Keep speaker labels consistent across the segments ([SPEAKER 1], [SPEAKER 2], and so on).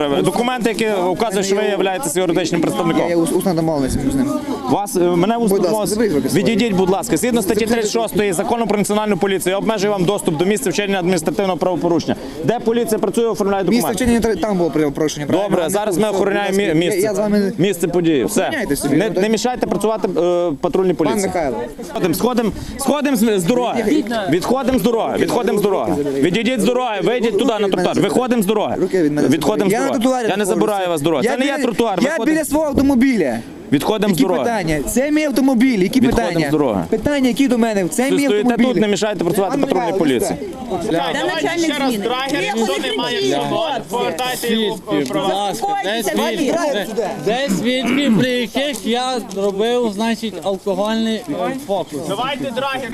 [SPEAKER 1] Документи, які вказують, що ви являєтеся юридичним представником.
[SPEAKER 2] Я усно домовився з ним.
[SPEAKER 1] Мене відійдіть, будь ласка. Згідно статті 36 Закону про національну поліцію, я обмежую вам доступ до місця вчинення адміністративного правопорушення. Де поліція працює, оформляє документи?
[SPEAKER 2] Місце вчинення там було порушення.
[SPEAKER 1] Добре, зараз ми охороняємо місце події. Все. Не мішайте працювати патрульній поліції.
[SPEAKER 2] Пан Михайло.
[SPEAKER 1] Сходимо з дороги. Відходимо з дороги. Відійдіть з дороги, вийдіть туди на тротуар. Виходимо з дороги. Відходимо з дороги. Я не забираю вас з дороги. Це не є тротуар.
[SPEAKER 2] Я біля свого автомобіля.
[SPEAKER 1] Відходимо з
[SPEAKER 2] Які
[SPEAKER 1] дороги.
[SPEAKER 2] питання? Це мій автомобіль. Які питання?
[SPEAKER 1] з дороги.
[SPEAKER 2] Питання, які до мене? Це мій автомобіль.
[SPEAKER 1] Стоїте тут, не мішайте працювати патрульній поліції.
[SPEAKER 3] Давайте ще раз драгер, ніхто не має всього, повертайте його в права.
[SPEAKER 4] Де свідки, при яких я робив, значить, алкогольний фокус.
[SPEAKER 3] Давайте драгер.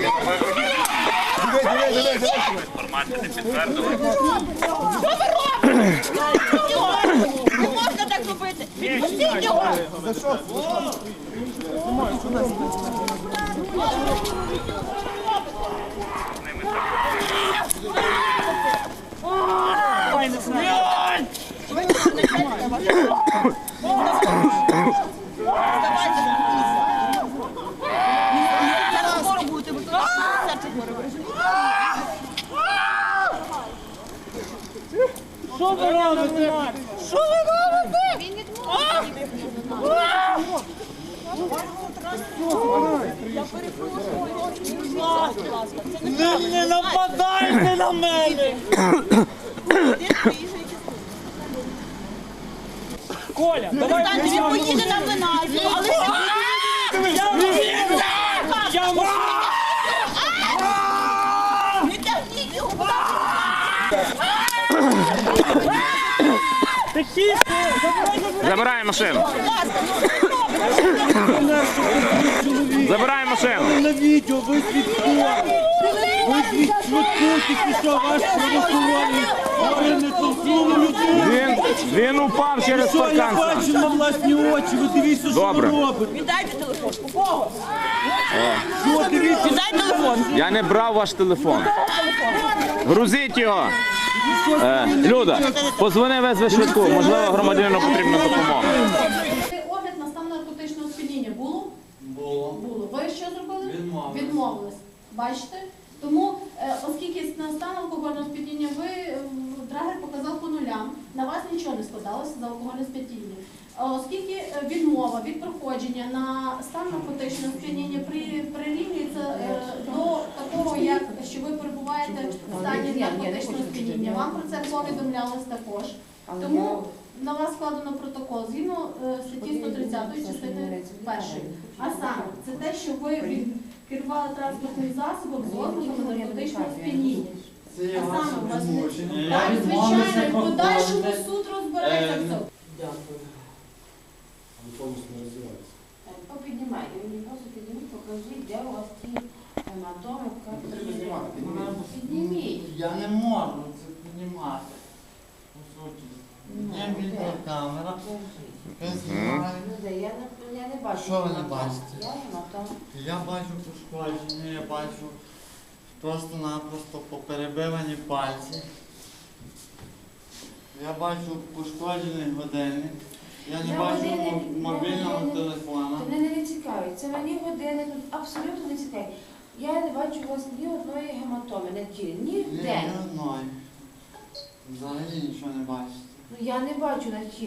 [SPEAKER 5] Не можна так робити! Відпустіть його! За що?
[SPEAKER 4] Що ви робите?
[SPEAKER 5] Що ви робите? Він Я перепрошую. Будь ласка.
[SPEAKER 4] Не нападайте на мене! Коля, давай
[SPEAKER 5] Він поїде на Винайцю, але не тягніть його, будь
[SPEAKER 1] Забирай машину. Забирай машину.
[SPEAKER 4] на відео, ви свідкуєте. Ви свідкуєте, що ваш правоохоронець, ви не толкнули людину.
[SPEAKER 1] Він упав через
[SPEAKER 4] Що я
[SPEAKER 1] паркан.
[SPEAKER 4] бачу на власні очі, ви дивіться, що ви
[SPEAKER 1] Добре.
[SPEAKER 4] робите.
[SPEAKER 5] Віддайте телефон. У кого?
[SPEAKER 4] Що дивіться?
[SPEAKER 5] Віддай телефон.
[SPEAKER 1] Я не брав ваш телефон. Грузіть його. Люда, позвони, везви швидку. Можливо, громадянину потрібна допомога.
[SPEAKER 6] Огляд на стан наркотичного сп'яніння було? Було. Ви що зробили? Відмовились. Бачите? Тому, оскільки на стан алкогольного сп'яніння драгер показав по нулям, на вас нічого не складалося за алкогольне сп'яніння. Оскільки відмова від проходження на стан наркотичного сп'яніння прирівнюється до такого, як що ви перебуваєте в стані наркотичного сп'яніння, вам про це повідомлялось також. Тому на вас складено протокол згідно статті 130 частини 1. А саме, це те, що ви керували транспортним засобом з ознаками наркотичного сп'яніння. А саме, у вас так, звичайно, в подальшому суд розбереться в цьому.
[SPEAKER 7] Попіднімайте, мені просто підніміть, покажіть, де у вас ті гематоми, підніміть.
[SPEAKER 4] Я не можу це піднімати. По суті. Є відеокамера.
[SPEAKER 7] Я не бачу.
[SPEAKER 4] Що ви не бачите?
[SPEAKER 7] Я гематом.
[SPEAKER 4] Я бачу пошкодження, я бачу просто-напросто поперебивані пальці. Я бачу пошкоджений годинник. Я не бачу мобільного телефона.
[SPEAKER 7] Мене не цікавить. Це мені години тут абсолютно не цікавить. Я не бачу у вас ні одної гематоми на тілі. Ні в
[SPEAKER 4] Ні
[SPEAKER 7] день.
[SPEAKER 4] одної. Взагалі нічого не бачите.
[SPEAKER 7] Ну я не бачу на тілі.